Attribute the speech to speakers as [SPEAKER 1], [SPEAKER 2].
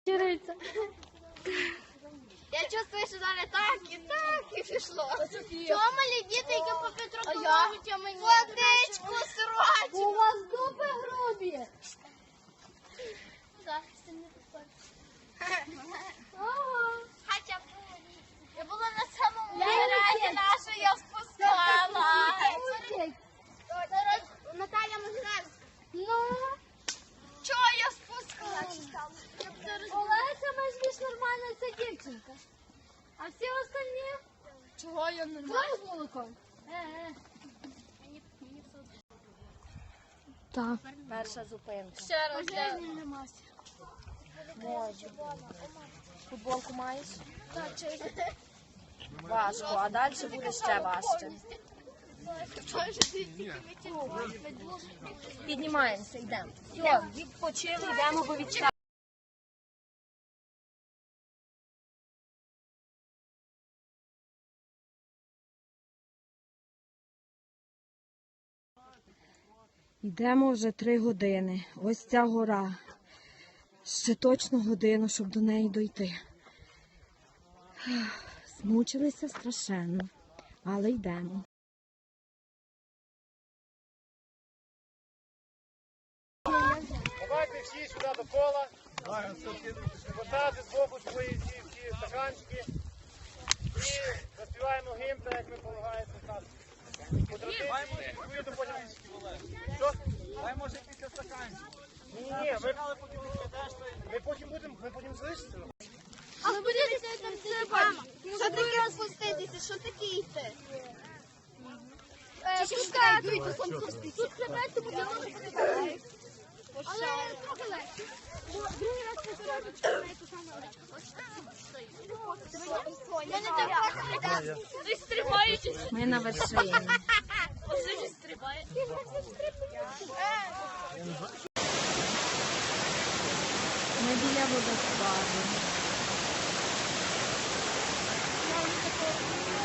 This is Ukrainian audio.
[SPEAKER 1] Чириться.
[SPEAKER 2] Я чувствую, що зараз так і пішло. Чого малі діти, які по Петрополовичу, а мені водичку срочно.
[SPEAKER 1] У вас дупи грубі.
[SPEAKER 2] Так, це не Хоча б я була на самому веранді нашу, я спускала. Наталя Могилевська.
[SPEAKER 1] Ну,
[SPEAKER 2] Чого я спускала?
[SPEAKER 1] Олеся, ми ж більш нормальна ця дівчинка. А всі остальні?
[SPEAKER 2] Чого я не
[SPEAKER 1] Знаєш з молоком? Так.
[SPEAKER 3] Перша зупинка.
[SPEAKER 2] Ще раз.
[SPEAKER 3] Можу. Футболку маєш? Важко, а далі буде ще важче. Піднімаємося, йдемо. Все, відпочили, йдемо, бо відчали. Йдемо вже 3 години. Ось ця гора. Ще точно годину, щоб до неї дойти. Змучилися страшенно, але йдемо.
[SPEAKER 4] Давайте всі сюди до кола. Хватати з боку свої ці стаканчики. І заспіваємо гімн, так як ми полагається так. По традиції, чуєте потім. Що? Дай може після стаканчиків. Ні, ми потім залишиться.
[SPEAKER 2] А ви будете там стрибати? Що таке розпуститися? Що таке йти? Пускати. Тут хребет, тому я можу подивитися. Але трохи легше. Другий раз повторюю, що на ту саму Я не так. Ви стрибаєтесь.
[SPEAKER 3] Ми на вершині.
[SPEAKER 2] Ось ви стрибаєте.
[SPEAKER 3] Ми біля водоспаду.